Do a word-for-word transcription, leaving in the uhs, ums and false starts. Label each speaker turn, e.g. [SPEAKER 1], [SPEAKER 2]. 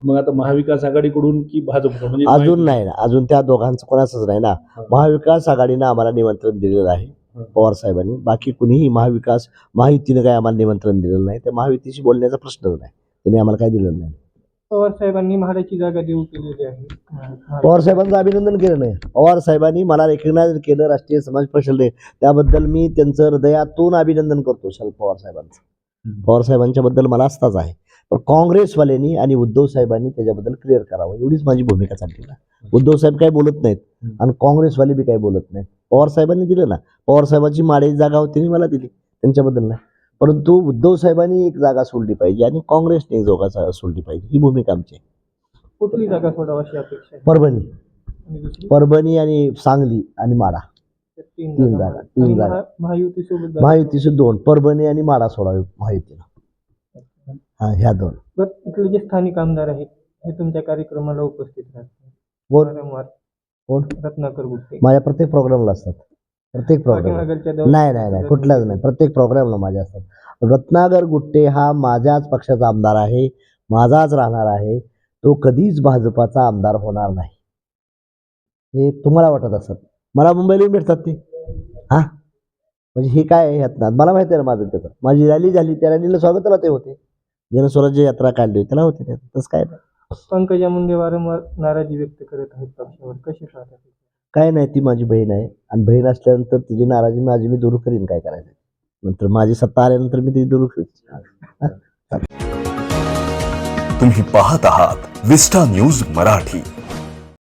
[SPEAKER 1] मग आता महाविकास आघाडीकडून की भाजप म्हणजे
[SPEAKER 2] अजून नाही ना, अजून त्या दोघांचं कोणाचंच नाही ना. महाविकास आघाडीनं आम्हाला निमंत्रण दिलेलं आहे पवार साहेबांनी. बाकी कुणीही महाविकास महायुतीनं काय आम्हाला निमंत्रण दिलेलं नाही. त्या महायुतीशी बोलण्याचा प्रश्नच नाही. त्यांनी आम्हाला काय दिलेलं नाही.
[SPEAKER 3] पवार साहेबांनी म्हाडाची जागा देऊ केलेली आहे.
[SPEAKER 2] पवार साहेबांचं अभिनंदन केलं नाही. पवार साहेबांनी मला रेकग्नाइज केलं राष्ट्रीय समाज परिषदेने, त्याबद्दल मी त्यांचं हृदयातून अभिनंदन करतो शरद पवार साहेबांचं. पवार साहेबांच्या बद्दल मला आस्थाच आहे. पण काँग्रेसवाल्यांनी आणि उद्धव साहेबांनी त्याच्याबद्दल क्लिअर करावं, एवढीच माझी भूमिका चालली ना. उद्धव साहेब काही बोलत नाहीत आणि काँग्रेसवाले बी काही बोलत नाहीत. पवार साहेबांनी दिलं ना. पवार साहेबांची माड्याची जागा होती आणि मला दिली, त्यांच्याबद्दल नाही. परंतु उद्धव साहेबांनी एक जागा सोडली पाहिजे आणि काँग्रेसने एक जागा सोडली पाहिजे, ही भूमिका आमची आहे.
[SPEAKER 3] कुठली जागा सोडावी अशी अपेक्षा आहे?
[SPEAKER 2] परभणी परभणी आणि सांगली आणि माडा,
[SPEAKER 3] तीन
[SPEAKER 2] तीन जागा तीन जागा
[SPEAKER 3] महायुती सोबत
[SPEAKER 2] महायुतीचे दोन, परभणी आणि माडा सोडावी महायुतीला. हा, ह्या दोन.
[SPEAKER 3] इथले जे स्थानिक आमदार आहेत हे तुमच्या कार्यक्रमाला उपस्थित राहतात.
[SPEAKER 2] कोण
[SPEAKER 3] वारंवार
[SPEAKER 2] कोण
[SPEAKER 3] रत्नाकर गुट्टे
[SPEAKER 2] माझ्या प्रत्येक प्रोग्रामला असतात. प्रत्येक प्रोग्राम नाही नाही नाही कुठलाच नाही, प्रत्येक प्रोग्रामला माझ्या असतात. रत्नाकर गुट्टे हा माझ्याच पक्षाचा आमदार आहे, माझाच राहणार आहे. तो कधीच भाजपाचा आमदार होणार नाही हे तुम्हाला वाटत असत. मला मुंबईला येऊन भेटतात ते. हा म्हणजे हे काय आहे यात ना, मला माहिती आहे ना माझं त्याचं. माझी रॅली झाली, त्या रॅलीला स्वागताला ते होते. जनस्वराज्य यात्रा काढली होती त्याला होते, तसं काय नाही.
[SPEAKER 3] पंकजा मुंडे वारंवार नाराजी व्यक्त करत आहेत पक्षावर, कशी पाहतात?
[SPEAKER 2] काय नाही, ती माझी बहीण आहे आणि बहीण असल्यानंतर तिची नाराजी माझी मी दूर करीन. काय करायचं नंतर माझी सत्ता आल्यानंतर मी ती दूर करीन.
[SPEAKER 4] तुम्ही पाहत आहात विस्टा न्यूज मराठी.